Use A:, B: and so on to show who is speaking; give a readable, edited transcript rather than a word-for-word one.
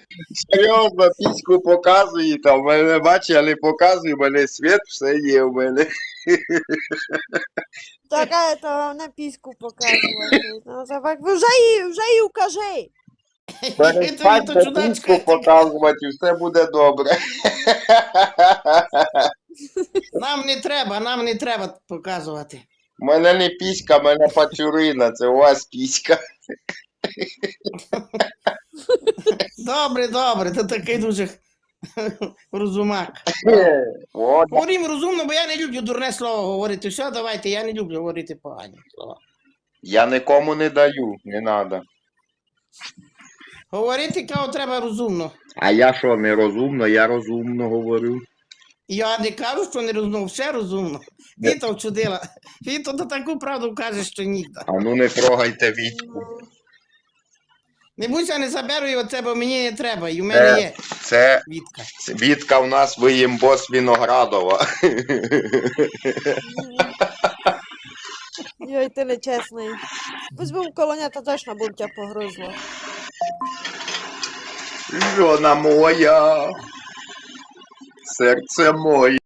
A: Серйозно, піську показує, там, в мене бачить, я не показую, в мене світ, все є в мене.
B: Така то на піську показувати. Ну, так, вже їй укажи.
A: Перестаньте
C: то чудачка,
A: піську показувати, і все буде добре.
C: Нам не треба показувати.
A: У мене не піська, в мене пацюрина, це у вас піська.
C: Добре, ти такий дуже розумак.
A: От.
C: Говоримо розумно, бо я не люблю дурне слово говорити. Все, давайте, я не люблю говорити погані слова.
A: Я нікому не даю, не треба.
C: Говорити, кого треба розумно.
A: А я що, не розумно? Я розумно говорю.
C: Я не кажу, що не розумно, все розумно. Віта вчудила. Віта то таку правду каже, що ніде.
A: А ну не трогайте Вітьку.
C: Не будься, не заберу його тебе, бо мені не треба, і в мене є
A: Це
C: Вітка.
A: Вітка в нас виїмбос Віноградова.
B: Йой, ти нечесний. Візьмемо колонята, точно будь тебе погризло.
A: Жона моя, серце моє.